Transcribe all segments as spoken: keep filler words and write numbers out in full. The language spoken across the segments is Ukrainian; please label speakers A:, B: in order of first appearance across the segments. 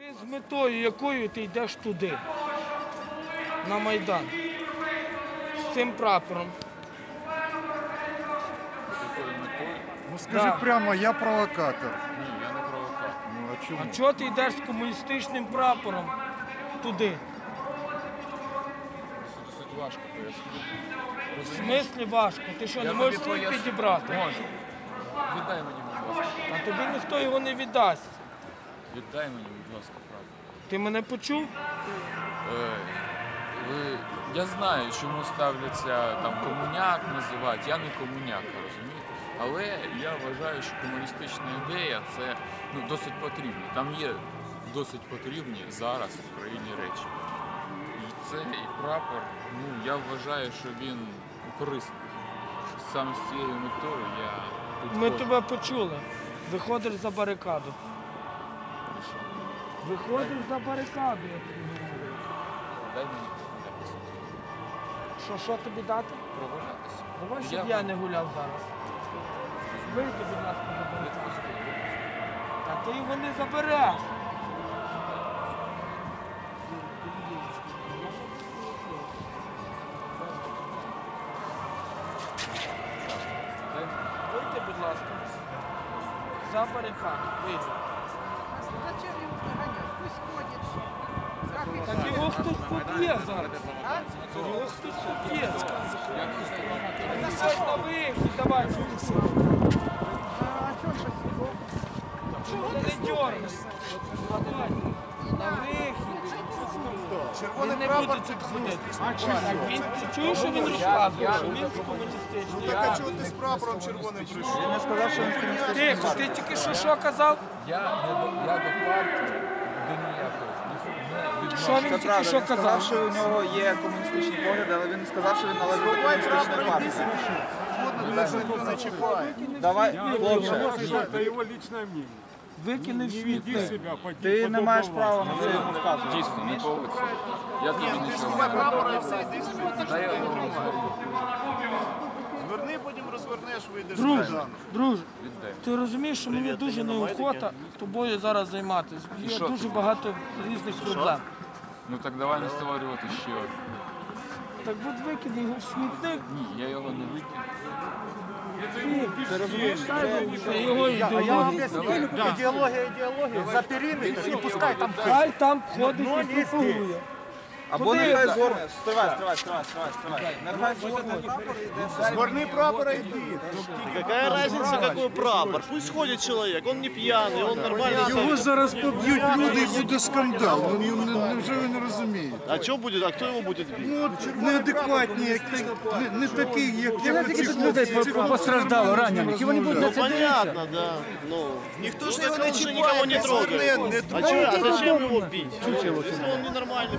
A: З метою, якою ти йдеш туди, на Майдан, з цим прапором.
B: Ну скажи
A: Да.
B: прямо, я провокатор.
C: Ні, я не провокатор.
B: Ну а чому?
A: А чого ти йдеш з комуністичним прапором туди?
C: Це досить важко пояснити.
A: В смислі важко? Ти що, не
C: Я
A: можеш
C: тобі
A: свій
C: поясню.
A: підібрати?
C: Можу. Віддай мені, будь ласка.
A: А тобі ніхто його не віддасть.
C: Віддай мені, будь ласка, правду.
A: Ти мене почув?
C: Е, ви... Я знаю, чому ставляться там комуняк називають. Я не комуняк, розумієте? Але я вважаю, що комуністична ідея це ну, досить потрібно. Там є досить потрібні зараз в Україні речі. І це і прапор, ну я вважаю, що він корисний. Саме з цією метою я тут
A: Ми
C: ходжу.
A: тебе почули. Виходиш за барикаду.
C: Хорошо.
A: Виходиш за барикаду, я тобі говорю.
C: Дай мені прогулятися.
A: Що, що тобі дати?
C: Прогулятися.
A: Давай, щоб
C: Я-
A: я не гуляв зараз. Вийди, будь ласка, за барикаду. Та ти його не забереш.
C: Дай мені.
A: Вийди, будь ласка. За барикаду. Вийди.
D: Зачем его прогонять? Пусть ходит. Как их
A: Так його хтось поб'є зараз. Його хтось поб'є. Виходь на вихід, давай.
D: А что спасибо?
A: Чого ти не дергаєшся? Давай. На вихід.
B: Червоний
A: Він не
B: прапор
A: буде
B: це
A: тут
B: комуністичний
A: ходити.
B: прапор.
A: Він, ти чуєш, що він розказує? Що він з комуністичний.
B: Так а чого ти з прапором червоним прийшов?
E: Він не сказав, що він комуністичний.
A: Тихо, ти тільки що що казав?
C: Я, не до, я до партії до ніякої не відношу.
A: Що він
E: Це
A: тільки
E: правда,
A: що
E: він сказав,
A: казав?
E: що у нього є комуністичні погляди, але він не сказав, що він належить до комуністичної партії.
B: Жодного нас ніхто не чіпає.
E: Давай, хлопче,
F: Это его личное мнение.
A: Викини в
F: Не веди
A: світло.
F: себя по
E: ти не маєш права на це йому вказувати.
C: Дійсно, не поводься. Я тобі
B: Ти
C: нічого
B: сховай
C: не
B: прапор і все, йди собі.
C: Дай я його розверну.
B: Зверни, потім розвернеш, вийдеш з
A: Друже,
B: Майдану.
A: друже,
C: Віддай.
A: ти розумієш, що мені дуже неохота тобою зараз займатися. Є
C: що?
A: дуже багато різних проблем.
C: Ну так давай не створювати ще один.
A: Так будь викидай його в смітник.
C: Ні, я його не викину.
A: Це його ідеологія.
B: Ідеологія, ідеологія. За периметр і пускай там.
A: Хай там ходить і пропагує.
E: Або
A: Куди?
E: нехай згорне. Стривай, стривай, стривай, стривай, стривай. Нехай згорне прапор і йде.
B: Згорни прапора і йди.
G: Какая разница, какой прапор? Пусть ходит человек, он не пьяный, он нормально.
B: Його зараз поб'ють люди і буде скандал. Ну, ну, ну, невже ви не розумієте?
G: А что будет? А кто его будет бить?
B: Ну, от неадекватні, як ти, не, не такі, як я ці хлопці.
F: Постраждало, ранених. Его не будет
G: Ну понятно, да. Ну,
B: Ніхто ж
G: ну,
B: його
G: так
B: не
G: он же
B: чіпає,
G: никого не
B: не
G: трогает.
B: зверне, не
G: А, чё- а зачем его бить? Если он ненормальный.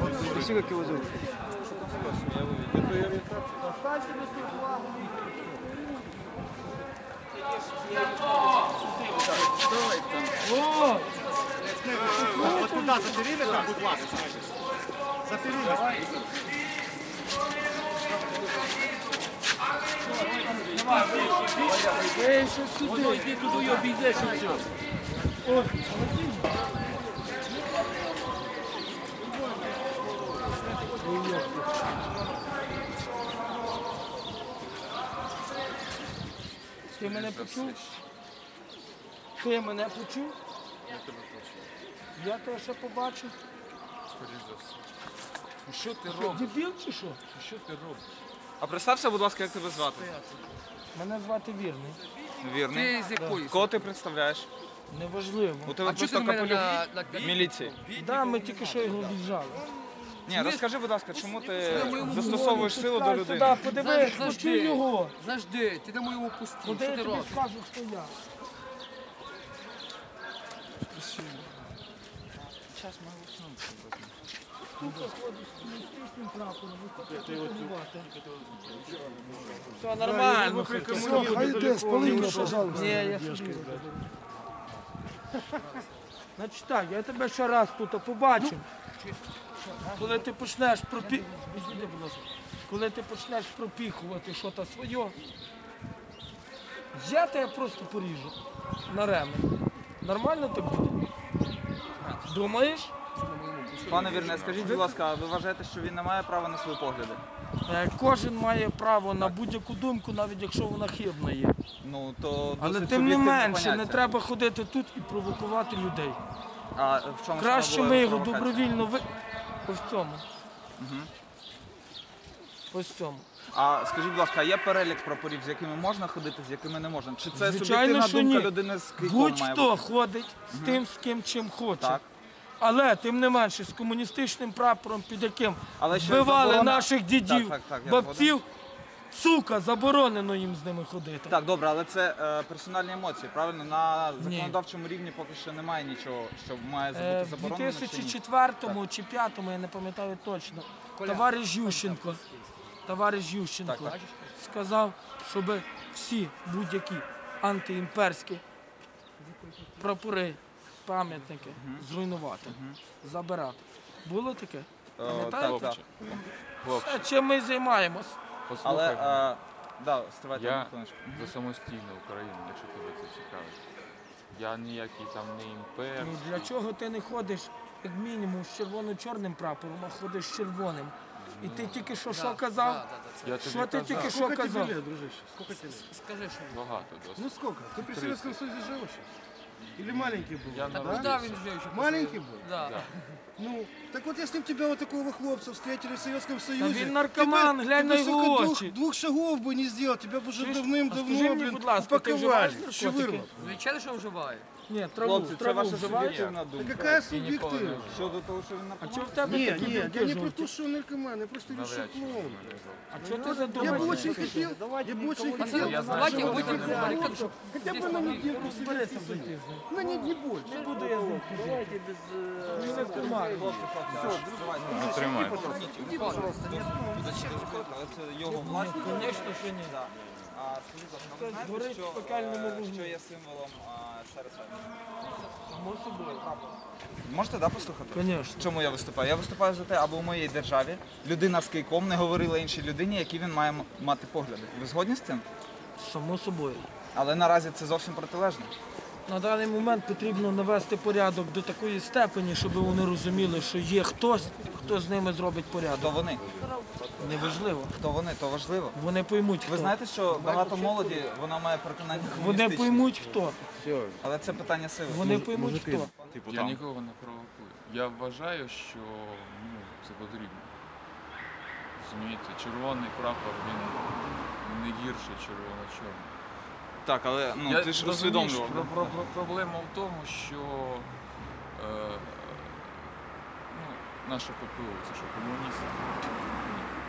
A: О,
B: Вот туда, за периметр, будь ласка. За периметр.
A: ей, що сюди. Йди туди і обійдеш і все. О, ти мене почув? Ти мене почув?
C: Я тебе почув.
A: Я тебе ще побачу.
C: Скоріш за все. Ну що ти робиш?
A: Дебіл чи що?
C: Що ти робиш?
E: А представся, будь ласка, як тебе звати?
A: Мене звати Вірний.
E: Вірний. Кого ти представляєш?
A: Неважливо.
E: У тебе просто капелюх міліції.
A: Да, ми тільки що його віджали.
E: Ні, розкажи, будь ласка, чому ти застосовуєш силу до
A: Сюди,
E: людини?
A: подивись, почуй його.
H: Завжди, ти на моєму пусті.
A: Куди
H: Що
A: я
H: ти
A: тобі
H: робиш?
A: скажу, хто я?
C: Час ми уснути.
A: Сука, ходиш з комуністичним прапором, ви хочете воювати. Все нормально.
B: Все, хай йде, спали його, пожалуйста.
A: Ні, я собі. Значить так, я тебе ще раз тут побачив. Коли ти почнеш пропі... Відійди, будь ласка. Коли ти почнеш пропіхувати щось своє, я тебе просто поріжу на ремень. Нормально так буде? Думаєш?
E: Пане Вірне, скажіть, будь ласка, а ви вважаєте, що він не має права на свої погляди?
A: Е, Кожен має право на будь-яку думку, навіть якщо вона хибна є.
E: Ну, то
A: Але
E: досить
A: тим не
E: суб'єктивне
A: менше, не
E: поняття.
A: треба ходити тут і провокувати людей.
E: А в чому
A: Краще
E: саме
A: ми
E: була
A: його
E: провокація?
A: добровільно ви... Ось в цьому. Ось в цьому.
E: А скажіть, будь ласка, а є перелік прапорів, з якими можна ходити, з якими не можна? Чи це
A: Звичайно,
E: суб'єктивна
A: що
E: думка
A: ні.
E: людини з кийком має
A: Будь-хто
E: бути?
A: ходить з тим, з ким чим хоче.
E: Так.
A: Але тим не менше, з комуністичним прапором, під яким
E: Але ще
A: вбивали
E: заборона-
A: наших дідів,
E: Так, так, так, я
A: бабців, сука, заборонено їм з ними ходити.
E: Так, добре, але це е, персональні емоції, правильно? На законодавчому рівні поки що немає нічого, що має
A: Е,
E: бути
A: В
E: заборонено. чи ні?
A: дві тисячі четвертому чи п'ятому, я не пам'ятаю точно, товариш Ющенко, товариш Ющенко
E: Так, так.
A: сказав, щоб всі будь-які антиімперські прапори, пам'ятники зруйнувати, забирати. Було таке?
E: Е,
A: Пам'ятаєте?
E: так, так.
C: Хлопці,
A: Е, Чим ми займаємось?
E: Але,
C: послухай мене.
E: е, да, стривайте
C: Я
E: одну хвилиночку.
C: за самостійну Україну, якщо тебе це цікавить. Я ніякий там не імпер.
A: Ну, для чого ти не ходиш, як мінімум, з червоно-чорним прапором, а ходиш з червоним? І ти тільки що що казав?
C: Я тобі
A: Що ти
C: казав,
A: тільки що
F: Сколько тебе
A: казав?
F: лет, дружище? Сколько тебе лет?
D: Скажи, що
C: багато досить.
F: Ну сколько? Ты при Советском Союзе жил еще? Или маленький был?
C: Я
F: Да?
C: народився.
D: він жив ще.
F: Маленький был?
D: Да.
F: Ну, так вот если бы тебя вот такого хлопца встретили в Советском Союзе...
A: він наркоман,
F: ты бы-
A: глянь
F: ты
A: на
F: бы,
A: його
F: сука,
A: очі.
F: Двух, двух шагов бы не сделал, тебя бы уже
A: Чуєш? А
F: давным-давно,
A: скажи мені,
F: блин,
A: будь ласка, ти
F: упаковали.
A: вживаєш
F: Щевырло.
A: наркотики?
D: Звичайно, що вживає.
A: Ні, траву,
E: Хлопці, це
A: траву
E: ваша
A: вживаєш?
E: суб'єктивна
F: Да
E: думка.
F: какая
C: І ніколи не
F: субъективная?
C: вживав.
E: Щодо того, що він
A: А
E: наркоман.
A: чого в тебе
F: Не,
A: такі
F: не, я
A: думки
F: не про
A: жовті?
F: то, что он наркоман, я просто решил
C: Навряд чи
F: клоун.
A: А чого ти
F: Я бы
A: задумався?
F: очень хотел, я бы очень
D: Пацаны,
F: хотел,
C: Я знаю,
D: давайте
C: що
D: выйдем
C: вони
D: в баррикаду, щоб
F: хотя бы на недельку в
A: Розберися
F: Советский
A: в
F: Союз.
A: житті.
F: На не, не больше.
A: Не буду я з ним ходити. Він не тримає.
C: Не тримай.
E: Але це його власність.
A: Звісно, що ні.
E: Да. А скажіть, будь ласка, ви
A: Це
E: знаєте,
A: горить
E: що,
A: в пекельному
E: е,
A: вогні.
E: що є символом е, СРСР?
A: Само собою.
E: Можете, да, послухати?
A: Звісно.
E: Чому я виступаю? Я виступаю за те, аби у моїй державі людина з кийком не говорила іншій людині, які він має м- мати погляди. Ви згодні з цим?
A: Само собою.
E: Але наразі це зовсім протилежно.
A: На даний момент потрібно навести порядок до такої степені, щоб вони розуміли, що є хтось, хто з ними зробить
E: Хто
A: порядок.
E: вони?
A: Неважливо.
E: Хто вони? То важливо.
A: Вони поймуть,
E: Ви
A: хто.
E: знаєте, що багато молоді, вона має переконання
A: Вони
E: комуністичне.
A: поймуть, хто.
E: Але це питання сили.
A: Вони поймуть, хто.
C: Я нікого не провокую. Я вважаю, що ну, це потрібно. Розумієте, червоний прапор, він не гірший червоно-чорний.
E: Так, але ну,
C: Я
E: ти ж
C: розумію,
E: усвідомлював.
C: що про, про, про, проблема в тому, що е, ну, наша ППО, це що комуністи. Ні. Е,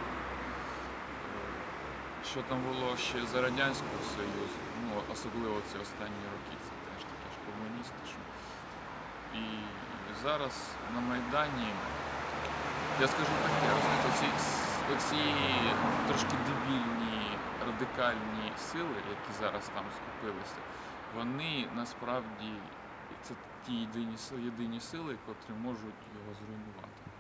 C: Що там було ще за Радянського Союзу, ну, особливо ці останні роки, це теж такі ж комуністи. Що... І зараз на Майдані, я скажу таке, розумієте, оці, оці трошки дебільні, радикальні сили, які зараз там скупилися, вони насправді це ті єдині сили, єдині сили, котрі можуть його зруйнувати.